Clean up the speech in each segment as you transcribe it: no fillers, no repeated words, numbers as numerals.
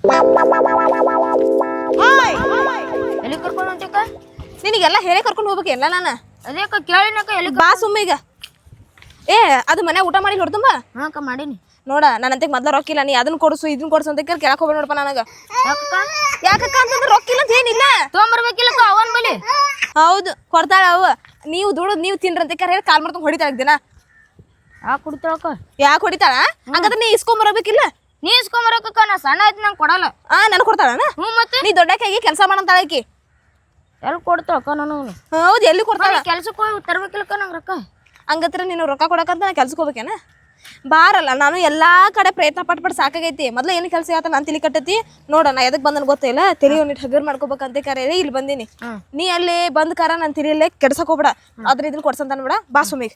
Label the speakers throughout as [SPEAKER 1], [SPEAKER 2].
[SPEAKER 1] ಎಲ್ಲಿ ಕರ್ಕೊಂಡು ಹೊಂಟಿಕ?
[SPEAKER 2] ನಿನಗೆಲ್ಲ ಹೇಳಿ ಕರ್ಕೊಂಡು ಹೋಗ್ಬೇಕು ಎಲ್ಲ ನಾನು.
[SPEAKER 1] ಅದೇ ಕೇಳಿನಕ ಎಲ್ಲಿ
[SPEAKER 2] ಬಾ ಸುಮ್ಮ ಈಗ. ಏ ಅದು ಮನೆ ಊಟ ಮಾಡಿ ಹೊಡ್ತಂಬ.
[SPEAKER 1] ಹಾಕ ಮಾಡೀನಿ.
[SPEAKER 2] ನೋಡ ನನ್ನಂತೆ ಮೊದ್ಲ ರೊಕ್ಕಿಲ್ಲ, ನೀ ಅದನ್ನ ಕೊಡ್ಸು ಇದನ್ನ ಕೊಡ್ಸು ಅಂತ ಕೇಳಕ್ ಹೋಗ್ಬೇಡ ನೋಡಪ್ಪ ನನಗ. ಯಾಕಕ್ಕ ಅಂತಂದ್ರೆ ರೊಕ್ಕಿಲ್ಲ ಅಂತ ಏನಿಲ್ಲ,
[SPEAKER 1] ತೊಗೊಂಬರ್ಬೇಕಿಲ್ಲಕ್ಕ ಅವನ್ ಬಲಿ.
[SPEAKER 2] ಹೌದು ಕೊಡ್ತಾಳ ಅವ. ನೀವು ದುಡುದ್ ನೀವು ತಿನ್ರಂತ ಹೇಳಿ ಕಾಲ್ ಮಾಡ್ಕೊಂಡು ಹೊಡಿತಾಳ ದಿನ.
[SPEAKER 1] ಯಾಕೆ ಕುಡಿತಾಳಕ್ಕ?
[SPEAKER 2] ಯಾಕೆ ಹೊಡಿತಾಳ? ಹಂಗಾದ್ರೆ ನೀ ಇಸ್ಕೊಂಬರಬೇಕಿಲ್ಲ.
[SPEAKER 1] ನೀ ಇಸ್ಕೊಂಬರಕ್ಕ, ನಾ ಸಣ್ಣ ಆಯ್ತು ನಂಗೆ ಕೊಡಲ್ಲ.
[SPEAKER 2] ನನಗೆ ಕೊಡ್ತಾಳ?
[SPEAKER 1] ಹ್ಞೂ ಮತ್ತೆ
[SPEAKER 2] ನೀ ದೊಡ್ಡಕ್ಕಾಗಿ ಕೆಲಸ ಮಾಡಂತಾಳಕಿ.
[SPEAKER 1] ಎಲ್ಲಿ ಕೊಡ್ತಾಳಕ್ಕ ನಾನು?
[SPEAKER 2] ಹೌದು ಎಲ್ಲಿ ಕೊಡ್ತಾಳ?
[SPEAKER 1] ಕೆಲ್ಸಕ್ಕೆ ಹೋಗಿ ತರ್ಬೇಕಿಲ್ಲಕ್ಕ ನಂಗೆ ರೊಕ್ಕ.
[SPEAKER 2] ಹಂಗತ್ರ ನೀನು ರೊಕ್ಕ ಕೊಡಕಂತ ನಾ ಕೆಲ್ಸಕ್ಕೆ ಹೋಗ್ಬೇಕೇನ? ಬಾರಲ್ಲ, ನಾನು ಎಲ್ಲಾ ಕಡೆ ಪ್ರಯತ್ನ ಪಟ್ಬಿಟ್ಟು ಸಾಕಾಗೈತಿ. ಮೊದ್ಲು ಏನು ಕೆಲಸ ಆತ ನಾನು ತಿಳಿ ಕಟ್ಟತಿ ನೋಡ. ನಾ ಎದಕ್ ಬಂದನ್ ಗೊತ್ತಿಲ್ಲ, ತೆಲಿ ಒಂದಿಟ್ಟು ಹಗರ್ ಮಾಡ್ಕೋಬೇಕಂತ ಕರೆ ಇಲ್ಲಿ ಬಂದೀನಿ. ನೀ ಅಲ್ಲಿ ಬಂದ್ ಕಾರ ನಾನು ತಿರಿಯಲ್ಲೇ ಕೆಡ್ಸಕ್ ಹೋಗ್ಬೇಡ. ಅದ್ರ ಇದನ್ನ ಕೊಡ್ಸಂತ ಅನ್ಬೇಡ. ಬಾ ಸುಮಿಗ್.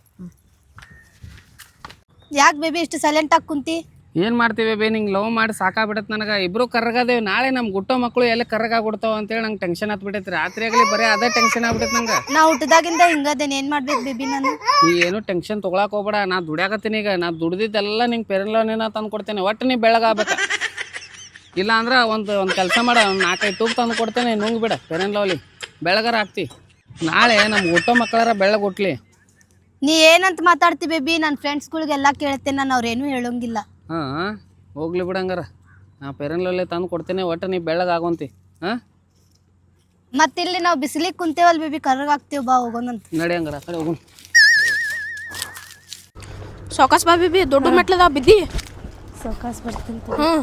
[SPEAKER 3] ಯಾಕೆ ಬೇಬಿ ಇಷ್ಟು ಸೈಲೆಂಟ್ ಆಗಿ ಕುಂತಿ?
[SPEAKER 4] ಏನು ಮಾಡ್ತೀವಿ ಬೇ, ನಿಂಗೆ ಲವ್ ಮಾಡಿ ಸಾಕಾಗ್ಬಿಡತ್ತೆ ನನಗೆ. ಇಬ್ರು ಕರ್ರಗದೇವಿ, ನಾಳೆ ನಮ್ಮ ಗುಟ್ಟೋ ಮಕ್ಕಳು ಎಲ್ಲಿ ಕರ್ರಗಾಗ್ಬಿಡ್ತಾವ ಅಂತೇಳಿ ನಂಗೆ ಟೆನ್ಷನ್ ಹತ್ಬಿಟ್ಟೈತಿ. ರಾತ್ರಿ ಆಗಲಿ ಬರೀ ಅದೇ ಟೆನ್ಷನ್ ಆಗ್ಬಿಟ್ಟೈತೆ ನಂಗೆ.
[SPEAKER 3] ನಾ ಹುಟ್ಟದಾಗಿಂದ ಹಿಂಗದೇನೆ, ಏನು ಮಾಡ್ಬೇಕು ಬೇಬಿ ನಾನು?
[SPEAKER 4] ನೀ ಏನು ಟೆನ್ಷನ್ ತೊಗೊಳಕ್ ಹೋಗ್ಬೇಡ. ನಾ ದುಡಿಯಾಕತ್ತೀನಿ ಈಗ. ನಾ ದುಡ್ದಿದ್ದೆಲ್ಲ ನಿಂಗೆ ಪೆರನ್ಲೋನೇನ ತಂದು ಕೊಡ್ತೇನೆ. ಒಟ್ಟು ನೀ ಬೆಳಗಾಗಬೇಕು. ಇಲ್ಲ ಅಂದ್ರೆ ಒಂದು ಕೆಲಸ ಮಾಡ, ಒಂದು 4-5 ತೂಕು ತಂದು ಕೊಡ್ತೇನೆ. ನುಂಗ್ ಬಿಡ ಪೆರನ್ಲೋಲಿ, ಬೆಳಗಾರ ಆಗ್ತಿ. ನಾಳೆ ನಮ್ಮ ಗುಟ್ಟೋ ಮಕ್ಕಳಾರ ಬೆಳಗ್ಗೆ ಹುಟ್ಲಿ.
[SPEAKER 3] ನೀ ಏನಂತ ಮಾತಾಡ್ತಿ ಬೇಬಿ? ನನ್ನ ಫ್ರೆಂಡ್ಸ್ಗಳಿಗೆಲ್ಲ ಕೇಳ್ತೇನೆ, ನಾನು ಅವ್ರೇನು ಹೇಳೋಂಗಿಲ್ಲ.
[SPEAKER 4] ಹಾಂ ಹೋಗ್ಲಿ ಬಿಡಂಗಾರ, ನಾ ಪೆರನ್ಲೋಲಿ ತಂದು ಕೊಡ್ತೇನೆ. ಒಟ್ಟು ನೀ ಬೆಳಗಾಗೋಂತಿ. ಹಾಂ
[SPEAKER 3] ಮತ್ತಿಲ್ಲಿ ನಾವು ಬಿಸಿಲಿಗೆ ಕುಂತೇವಲ್ಲ ಬೇಬಿ, ಕರ್ರಗಾಗ್ತೀವಿ. ಬಾ ಹೋಗೋಣಂತ.
[SPEAKER 4] ನಡಿ ಹಂಗಾರ ಕಡೆ ಹೋಗೋಣ.
[SPEAKER 2] ಸಾವಕಾಸ್ ಬಾ ಬೇಬಿ, ದೊಡ್ಡ ಮೆಟ್ಲದ ಬಿದ್ದಿ.
[SPEAKER 3] ಸಾವಕಾಸ್ ಬರ್ತೀನಿ.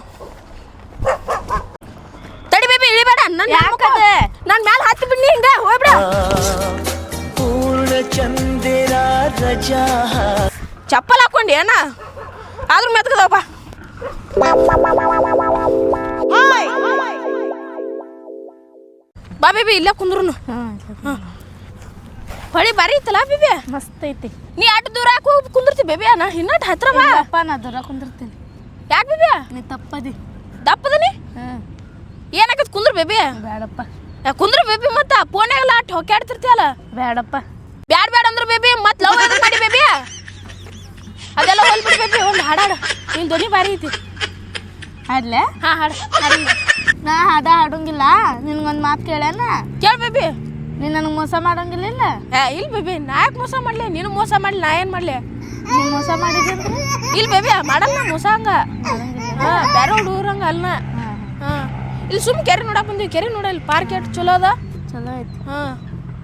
[SPEAKER 2] ತಡಿ ಬೇಬಿ, ಇಳಿಬೇಡ. ನಾನು ಮ್ಯಾಲೆ ಹತ್ತಿ ಬಿಡ್ನಿ, ಹಿಂಗ ಹೋಗ್ಬಿಡ. ಚಪ್ಪಲ್ ಹಾಕೊಂಡಿ ಏನ? ಆದ್ರೂ ಮೆತ್ಕದಪ್ಪ. ಬಾ ಬೇಬಿ, ಇಲ್ಲೇ ಕುಂದ್ರು. ಹೊಳಿ ಬಾರಿ ಐತಲ್ಲ ಬೇಬಿ?
[SPEAKER 3] ಮಸ್ತ್ ಐತಿ.
[SPEAKER 2] ನೀ ಅಷ್ಟು ದೂರ ಯಾಕೆ ಹೋಗಿ ಕುಂದಿರ್ತಿ ಬೇಬಿ? ನಾ ಇನ್ನಟ್ ಹತ್ರ ಬಾ.
[SPEAKER 3] ಅಪ್ಪ ನಾ ದೂರ ಕುಂದಿರ್ತೀನಿ.
[SPEAKER 2] ಯಾಕೆ ಬೇಬಿ?
[SPEAKER 3] ನೀ ತಪ್ಪದಿ.
[SPEAKER 2] ದಪ್ಪದನಿ? ಏನಾಕತ್ ಕುಂದ್ರ ಬೇಬಿ?
[SPEAKER 3] ಬೇಡಪ್ಪ.
[SPEAKER 2] ಕುಂದ್ರ ಬೇಬಿ, ಮತ್ತ ಫೋನ್ಯಾಗಲ್ಲ ಅಟ್ ಹೊಕ್ಕಾಡ್ತಿರ್ತಿಯಲ್ಲ.
[SPEAKER 3] ಬೇಡಪ್ಪ.
[SPEAKER 2] ಬ್ಯಾಡ ಬ್ಯಾಡ ಅಂದ್ರೆ ಬೇಬಿ ಮತ್ತೆ ಲವ್ ಎದಕ್ ಮಾಡಿ ಬೇಬಿ? ಅದೆಲ್ಲ ಹೋಲ್ಬಿಡಿ ಬೇಬಿ. ಒಂದು ಹಾಡಾಡು, ನಿನ್ ಧ್ವನಿ ಭಾರಿ ಐತಿ.
[SPEAKER 3] ಹಾಡ್ಲೆ?
[SPEAKER 2] ಹಾಂ ಹಾಡು.
[SPEAKER 3] ನಾ ಹಾಡ ಹಾಡೋಂಗಿಲ್ಲ. ನಿನ್ಗೊಂದು ಮಾತು ಕೇಳೇನ?
[SPEAKER 2] ಕೇಳ ಬೇಬಿ.
[SPEAKER 3] ನೀನು ನನಗೆ ಮೋಸ ಮಾಡೋಂಗಿಲ್ಲ?
[SPEAKER 2] ಇಲ್ಲ ಬೇಬಿ, ನಾ ಯಾಕೆ ಮೋಸ ಮಾಡ್ಲಿ? ನೀನು ಮೋಸ ಮಾಡ್ಲಿ, ನಾ ಏನು ಮಾಡ್ಲಿ?
[SPEAKER 3] ನೀನು ಮೋಸ ಮಾಡಿದ್ರೆ
[SPEAKER 2] ಇಲ್ಲ ಬೇಬಿ, ಮಾಡಲ್ಲ ಮೋಸ ಹಂಗ. ಹಾಂ, ಬೇರೆ ಹುಡುಗರಂಗ ಅಲ್ಲ. ಹಾಂ, ಇಲ್ಲಿ ಸುಮ್ ಕೆರೆ ನೋಡಕ್ ಬಂದೀವಿ. ಕೆರೆ ನೋಡ, ಇಲ್ಲಿ ಪಾರ್ಕ್ ಎಷ್ಟು ಚಲೋ ಅದ.
[SPEAKER 3] ಚಲೋ ಐತಿ.
[SPEAKER 2] ಹಾಂ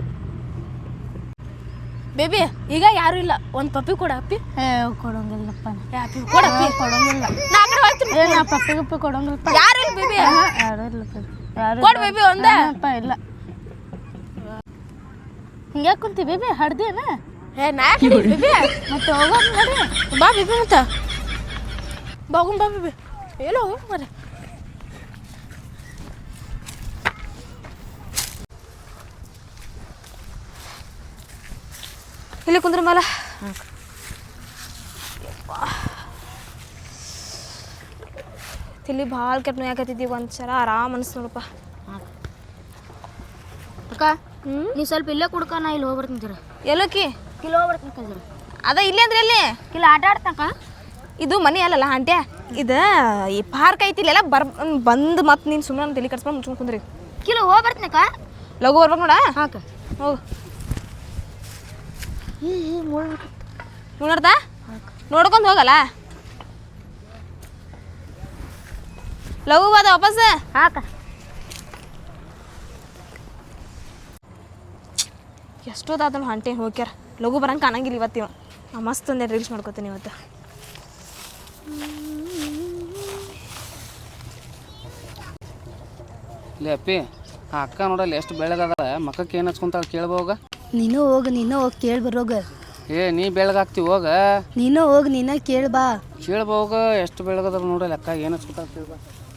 [SPEAKER 2] ಬೇಬಿ, ಈಗ ಯಾರು ಇಲ್ಲ. ಒಂದು ಪಪ್ಪಿ ಕೊಡ. ಅಪ್ಪಿ
[SPEAKER 3] ಕೊಡೋಂಗಿಲ್ಲಪ್ಪ.
[SPEAKER 2] ಅಪ್ಪಿ ಕೊಡ. ಅಪ್ಪಿ
[SPEAKER 3] ಕೊಡೋಂಗಿಲ್ಲ.
[SPEAKER 2] ನಾ ಆ ಕಡೆ ಹೋಗ್ತೀನಿ.
[SPEAKER 3] ನಾ ಪಪ್ಪಿ ಗಪ್ಪಿ ಕೊಡೋಂಗಿಲ್ಲಪ್ಪ.
[SPEAKER 2] ಯಾರು ಇಲ್ಲ ಬೇಬಿ?
[SPEAKER 3] ಯಾರು ಇಲ್ಲ ಯಾರು
[SPEAKER 2] ಕೊಡ್ ಬೇಬಿ ಒಂದೇ.
[SPEAKER 3] ಅಪ್ಪ ಇಲ್ಲ. ಹಿಂಗ್ಯಾಕೆ ಕುಂತಿ ಬೇಬಿ? ಹಾಡ್ದೇನ?
[SPEAKER 2] ನಾ ಯಾಕೆ ಬೇಬಿ?
[SPEAKER 3] ಮತ್ತೆ ಹೋಗೋಣ ನೋಡಿ.
[SPEAKER 2] ಬಾ ಬೇಬಿ, ಮತ್ತೆ ಬಾಗುಂ ಬಾ ಬೇಬಿ. ಎಲ್ಲೋ ಹೋಗ ಮರ. ಇಲ್ಲಿ ಕುಂದ್ರ ಮೇಲೆ ತಿಳಿ ಭಾಳ ಕೆಟ್ಟ ನೋಯಾಕತ್ತಿದ್ದೀವಿ. ಒಂದ್ಸಲ ಆರಾಮ್ ಅನ್ಸ್ ನೋಡಪ್ಪ.
[SPEAKER 1] ಅಕ್ಕ ನೀ ಸ್ವಲ್ಪ ಇಲ್ಲೇ ಕುಡ್ಕ, ನಾ ಇಲ್ಲಿ ಹೋಗ್ಬರ್ತೀನಿ ಜರ.
[SPEAKER 2] ಎಲ್ಲೋಕಿ?
[SPEAKER 1] ಕಿಲೋ ಹೋಗ್ಬರ್ತೀನಿ ಜರ.
[SPEAKER 2] ಅದ ಇಲ್ಲಿ ಅಂದ್ರೆ ಎಲ್ಲಿ?
[SPEAKER 1] ಕಿಲೋ ಆಟ ಆಡ್ತಕ್ಕ.
[SPEAKER 2] ಇದು ಮನೆ ಅಲ್ಲಲ್ಲ ಆಂಟ್ಯ, ಇದು ಈ ಪಾರ್ಕ್ ಐತಿ. ಇಲ್ಲೆಲ್ಲ ಬಂದು ಮತ್ತೆ ನೀನು ಸುಮ್ಮನೆ ತಲೆ ಕಟ್ಸ್ಕೊಂಡು ಮುಚ್ಕೊಂಡು ಕುಂದ್ರಿ.
[SPEAKER 1] ಕಿಲೋ ಹೋಗ್ಬರ್ತೀನಕ್ಕ.
[SPEAKER 2] ಲಘು ಬರ್ಬೇಕು ನೋಡ.
[SPEAKER 1] ಹಾಕ
[SPEAKER 2] ಹೋಗು. ನೋಡ್ದ ನೋಡ್ಕೊಂಡು ಹೋಗಲ್ಲ. ಲಘು ಬಾದ ವಾಪಸ್.
[SPEAKER 1] ಹಾಕ
[SPEAKER 2] ಎಷ್ಟೋದಾದನು ಹಂಟೆ ಹೋಗ್ಯಾರ. ಲಘು ಬರಂಗೆ ಕಾಣಂಗಿಲ್ಲ ಇವತ್ತಿವ. ಮಸ್ತ್ ಒಂದೇ ರೀಲ್ಸ್ ಮಾಡ್ಕೋತೀನಿ ಇವತ್ತು.
[SPEAKER 4] ಲೇ ಅಪ್ಪಿ, ಆ ಅಕ್ಕ ನೋಡಲ್ಲ ಎಷ್ಟು ಬೆಳಗದ. ಮಕ್ಕಕ್ಕೆ ಏನು ಹಚ್ಕೊಂತಾಳ ಕೇಳ್ಬೋಗ.
[SPEAKER 3] ನೀನು ಹೋಗಿ ಕೇಳಿ ಬರೋಗ.
[SPEAKER 4] ನೀ ಬೆಳಗಾಗ್ತಿ ಹೋಗ.
[SPEAKER 3] ನೀನು ಹೋಗಿ ನೀನ ಕೇಳಿ ಬಾ.
[SPEAKER 4] ಕೇಳ್ಬೋಗ ಎಷ್ಟು ಬೆಳಗದ ನೋಡಲ್ಲ. ಅಕ್ಕ ಏನು ಹಚ್ಕೊಂತಾಳ ಕೇಳ್ಬಾ.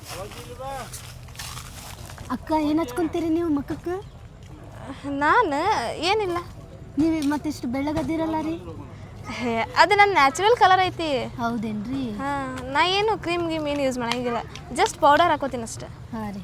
[SPEAKER 3] ಅಕ್ಕ ಏನು ಹಚ್ಕೊಂತೀರಿ ನೀವು ಮಕ್ಕಕ್ಕೆ?
[SPEAKER 2] ನಾನು ಏನಿಲ್ಲ.
[SPEAKER 3] ನೀವು ಮತ್ತಿಷ್ಟು ಬೆಳ್ಳಗದಿರಲ್ಲ ರೀ?
[SPEAKER 2] ಅದು ನನ್ನ ನ್ಯಾಚುರಲ್ ಕಲರ್ ಐತಿ.
[SPEAKER 3] ಹೌದೇನ್ರಿ?
[SPEAKER 2] ಹಾಂ, ನಾ ಏನು ಕ್ರೀಮ್ ಗೀಮ್ ಏನು ಯೂಸ್ ಮಾಡಂಗಿಲ್ಲ. ಜಸ್ಟ್ ಪೌಡರ್ ಹಾಕೋತೀನಿ ಅಷ್ಟೆ.
[SPEAKER 3] ಹಾಂ ರೀ.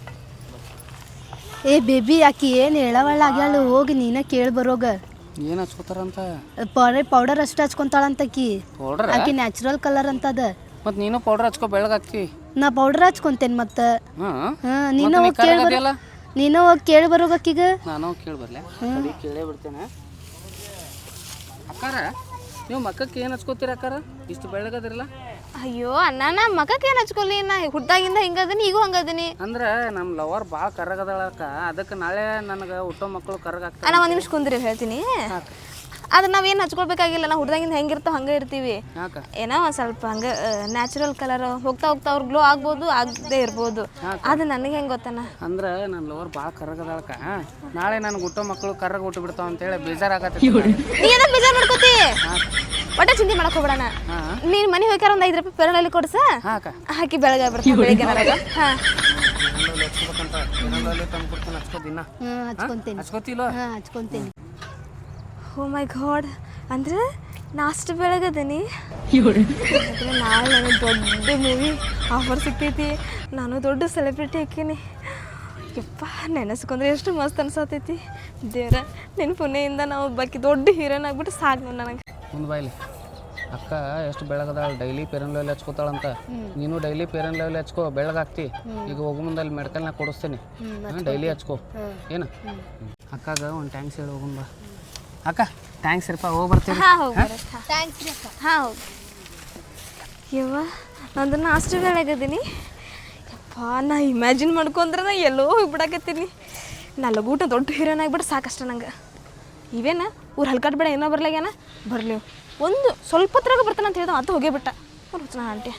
[SPEAKER 3] ಏ ಬೇಬಿ, ಆಕಿ ಏನು ಹೇಳವಳ ಆಗ್ಯಾಳ, ಹೋಗಿ ನೀನ ಕೇಳಿ ಬರೋಗ.
[SPEAKER 4] ಏನು ಹಚ್ಕೋತಾರಂತ?
[SPEAKER 3] ಪೌಡರ್ ಅಷ್ಟು ಹಚ್ಕೊಂತಾಳಂತ ಆಕಿ.
[SPEAKER 4] ಪೌಡರ್?
[SPEAKER 3] ಆಕಿ ನ್ಯಾಚುರಲ್ ಕಲರ್ ಅಂತದ.
[SPEAKER 4] ಮತ್ತು ನೀನು ಪೌಡ್ರ್ ಹಚ್ಕೊ ಬೆಳಗಾಗ್ತಿ.
[SPEAKER 3] ನಾ ಪೌಡರ್ ಹಚ್ಕೊಂತೇನೆ ಮತ್ತೆ.
[SPEAKER 4] ಹಾಂ
[SPEAKER 3] ನೀನು ಹೋಗಿ ಕೇಳಿ ನೀನು ಹೋಗಿ ಕೇಳಿ ಬರೋಗಕ್ಕೀಗ.
[SPEAKER 4] ನಾನು ಕೇಳಿ ಬರಲೆ ಸರಿ ಕೇಳೇ ಬಿಡ್ತೇನೆ. ಅಕ್ಕಾರ ನೀವು ಮಕ್ಕಕ್ಕೆ ಏನು ಹಚ್ಕೋತೀರ ಅಕ್ಕಾರ? ಇಷ್ಟು ಬೆಳಗದಿರಲ್ಲ.
[SPEAKER 2] ಅಯ್ಯೋ ಅಣ್ಣ ನಾ ಮಗಕ್ಕೆ ಏನು ಹಚ್ಕೊಲಿ, ನಾ ಹುಟ್ಟಾಗಿಂದ ಹಿಂಗದೀನಿ, ಈಗೂ ಹಂಗದೀನಿ.
[SPEAKER 4] ಅಂದ್ರೆ ನಮ್ಮ ಲವರ್ ಭಾಳ ಕರ್ರಗದಳಕ್ಕ, ಅದಕ್ಕೆ ನಾಳೆ ನನಗೆ ಹುಟ್ಟೋ ಮಕ್ಕಳು ಕರ್ರಗಾಗ್ತಾರೆ.
[SPEAKER 2] ಅಣ್ಣ ಒಂದು ನಿಮಿಷ ಕುಂದ್ರಿ ಹೇಳ್ತೀನಿ. ಅದು ನಾವೇನು ಹಚ್ಕೊಳ್ಬೇಕಾಗಿಲ್ಲ, ನಾವು ಹುಡ್ದಾಗಿಂದ ಹೆಂಗಿರ್ತಾವ ಹಂಗೆ ಇರ್ತೀವಿ. ಏನೋ ಒಂದು ಸ್ವಲ್ಪ ಹಂಗೆ ನ್ಯಾಚುರಲ್ ಕಲರ್ ಹೋಗ್ತಾ ಹೋಗ್ತಾ ಅವ್ರು ಗ್ಲೋ ಆಗ್ಬೋದು, ಆಗದೆ ಇರ್ಬೋದು. ಅದು ನನಗೆ ಹೆಂಗೆ ಗೊತ್ತಣ್ಣ,
[SPEAKER 4] ಅಂದ್ರೆ ನನ್ನ ಲವರ್ ಭಾಳ ಕರ್ರಗದಳಕ್ಕ, ನಾಳೆ ನನಗೆ ಹುಟ್ಟೋ ಮಕ್ಕಳು ಕರ್ರಗ ಹುಟ್ಟು ಬಿಡ್ತಾವ ಅಂತೇಳಿ ಬೇಜಾರಾಗತ್ತೆ.
[SPEAKER 2] ನೀ ಏನೋ ಬೇಜಾರು ಮಾಡ್ಕೋತಿ, ಒಟ್ಟೆ ಚಿಂತೆ ಮಾಡಕ್ ಹೋಗ್ಬೇಡಣ. ನೀನು ಮನೆ ಹೋಗ್ಯಾರ ಒಂದು 5 ರೂಪಾಯಿ ಪೆರಳಲ್ಲಿ ಕೊಡ್ಸ, ಹಾಕಿ ಬೆಳಗ್ಗೆ ಬರ್ತೀನಿ ಬೆಳಿಗ್ಗೆ ನನಗೆ. ಹಾಂ
[SPEAKER 3] ಹಚ್ಕೊಂತೀನಿ.
[SPEAKER 2] ಓ ಮೈ ಗಾಡ್, ಅಂದ್ರೆ ನಾಷ್ಟ ಬೆಳಗದೀನಿ. ನಾಳೆ ನನಗೆ ದೊಡ್ಡ ಮೂವಿ ಆಫರ್ ಸಿಗ್ತೈತಿ, ನಾನು ದೊಡ್ಡ ಸೆಲೆಬ್ರಿಟಿ ಹಾಕೀನಿ. ಯಪ್ಪ ನೆನೆಸ್ಕೊಂಡ್ರೆ ಎಷ್ಟು ಮಸ್ತ್ ಅನ್ಸತೈತಿ. ದೇವ್ರ ನಿನ್ನ ಪುಣ್ಯದಿಂದ ನಾವು ಬಾಕಿ ದೊಡ್ಡ ಹೀರೋನ್ ಆಗ್ಬಿಟ್ಟು ಸಾಕು ನನಗೆ.
[SPEAKER 4] ಮುಂದೆ ಬಾಯ್ಲಿ ಅಕ್ಕ ಎಷ್ಟು ಬೆಳಗದಾಳ, ಡೈಲಿ ಪೇರನ್ ಲೆವೆಲ್ ಹಚ್ಕೋತಾಳಂತ. ನೀನು ಡೈಲಿ ಪೇರನ್ ಲೆವೆಲ್ ಹಚ್ಕೋ, ಬೆಳಗಾಗ್ತಿ. ಈಗ ಹೋಗೋ ಮುಂದೆ ಅಲ್ಲಿ ಮೆಡಿಕಲ್ನಾಗ ಕೊಡಿಸ್ತೀನಿ, ಡೈಲಿ ಹಚ್ಕೋ ಏನು. ಅಕ್ಕಾಗ ಒಂದು ಟ್ಯಾಂಕ್ಸ್ ಹೇಳಿ ಹೋಗೋಣ ಬಾ. ಅಕ್ಕ ಥ್ಯಾಂಕ್ಸ್ ರೀಪ್ಪ, ಹೋಗಿ ಬರ್ತೀವಿ.
[SPEAKER 2] ಹಾಂ ಹೋಗಿ
[SPEAKER 3] ಥ್ಯಾಂಕ್ಸ್ ರೀ ಅಕ್ಕ.
[SPEAKER 2] ಹಾಂ ಹೋಗಿ. ಯವ್ವ ನಂದು ನಾಷ್ಟ ಬೆಳಗದೀನಿ. ಯಪ್ಪ ನಾ ಇಮ್ಯಾಜಿನ್ ಮಾಡ್ಕೊಂಡ್ರೆ ನಾ ಎಲ್ಲೋ ಹೋಗ್ಬಿಡಾಕತ್ತೀನಿ. ನಾ ಲಗೂಟ ದೊಡ್ಡ ಹೀರೋನ್ ಆಗ್ಬಿಟ್ಟು ಸಾಕಷ್ಟ ನಂಗೆ. ಇವೇನ ಊರು ಹಲ್ಕಾಟ್ಬೇಡ, ಏನೋ ಬರ್ಲಾಗ್ಯಾನ, ಬರಲಿ ಒಂದು ಸ್ವಲ್ಪ ಹೊತ್ರಾಗ ಬರ್ತಾನೆ ಅಂತ ಹೇಳ್ದ, ಅದು ಹೋಗೇ ಬಿಟ್ಟ. ಬರ್ತಾನ ಆಂಟಿ.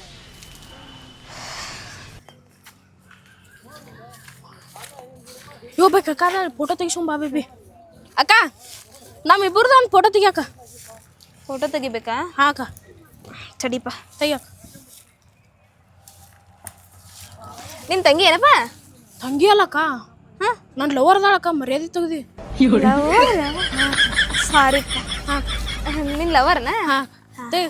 [SPEAKER 1] ಯೋ ಬೇಕಕ್ಕ ಫೋಟೋ ತೆಗಿಸ್ಕೊಂಬಾ ಬೇಬಿ. ಅಕ್ಕ ನಮ್ಮಿಬ್ಬರದು ಒಂದು ಫೋಟೋ ತೆಗಿಯಕ್ಕ.
[SPEAKER 2] ಫೋಟೋ ತೆಗಿಬೇಕಾ?
[SPEAKER 1] ಹಾಂ ಅಕ್ಕ
[SPEAKER 2] ಚಡಿಪ
[SPEAKER 1] ತೆಗಿಯಕ್ಕ.
[SPEAKER 2] ನಿನ್ನ ತಂಗಿ ಏನಪ್ಪ?
[SPEAKER 1] ತಂಗಿ ಅಲ್ಲಕ್ಕ, ಹಾಂ ನನ್ನ ಲವರ್ ಅದಾಳಕ್ಕ, ಮರ್ಯಾದೆ ತೆಗ್ದಿ.
[SPEAKER 2] ಸಾರಿ. ಹಾಂ ನಿನ್ನ ಲವರ್ನ?
[SPEAKER 1] ಹಾಂ ತೆಗಿ.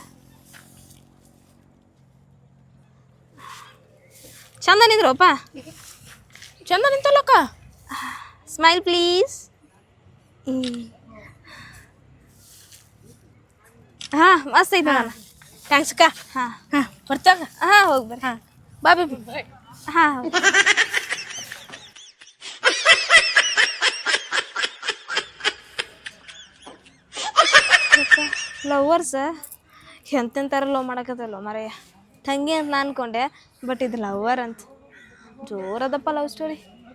[SPEAKER 2] ಚಂದ ನಿಂದ್ರಪ್ಪ.
[SPEAKER 1] ಚಂದ ನಿಂತಲ್ಲಕ್ಕ.
[SPEAKER 2] Smile please. ಹಾಂ ಮಸ್ತ್ ಐತೆ ನಾನು.
[SPEAKER 1] ಥ್ಯಾಂಕ್ಸ್ ಅಕ್ಕ.
[SPEAKER 2] ಹಾಂ
[SPEAKER 1] ಹಾಂ ಬರ್ತಾಗ.
[SPEAKER 2] ಹಾಂ ಹೋಗಿ ಬರ್ರಿ.
[SPEAKER 1] ಹಾಂ ಬಾ ಬೇಬಿ.
[SPEAKER 2] ಹಾಂ ಲವರ್ಸ ಎಂತೆಂತಾರ ಲವ್ ಮಾಡಕತ್ತಲ್ಲ ಮರೆಯ. ತಂಗಿ ಅಂತ ನಾನು ಅನ್ಕೊಂಡೆ, ಬಟ್ ಇದು ಲವರ್ ಅಂತ. ಜೋರದಪ್ಪ ಲವ್ ಸ್ಟೋರಿ.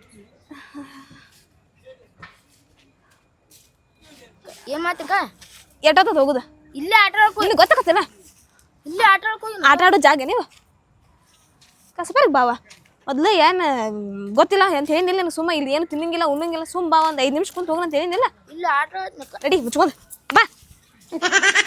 [SPEAKER 1] ಏನು ಮಾತಕ್ಕ?
[SPEAKER 2] ಎಷ್ಟೊತ್ತದ ಹೋಗುದ?
[SPEAKER 1] ಇಲ್ಲೇ ಆಟ ಆಡ್ಕೊ.
[SPEAKER 2] ನಿನಗೆ ಗೊತ್ತಾಗತ್ತಲ್ಲ,
[SPEAKER 1] ಇಲ್ಲೇ ಆಟ ಆಡ್ಕೊ.
[SPEAKER 2] ಆಟ ಆಡೋ ಜಾಗ ನೀವು ಕಸಬರ್ಗೆ ಬಾವ. ಮೊದಲು ಏನು ಗೊತ್ತಿಲ್ಲ ಅಂತ ಹೇಳಿನಿಲ್ಲ ನನಗೆ. ಸುಮ್ಮ ಇಲ್ಲಿ ಏನು ತಿನ್ನಂಗಿಲ್ಲ ಉಣ್ಣಂಗಿಲ್ಲ, ಸುಮ್ಮ ಬಾ ಒಂದು 5 ನಿಮಿಷ ಕುಂತ ಹೋಗೋಣ ಅಂತ ಹೇಳಿನಿಲ್ಲ.
[SPEAKER 1] ಇಲ್ಲ ಆಟ ಆಡ್ನಕ್ಕ.
[SPEAKER 2] ರೆಡಿ ಮುಚ್ಕೊಂಡು ಬಾ.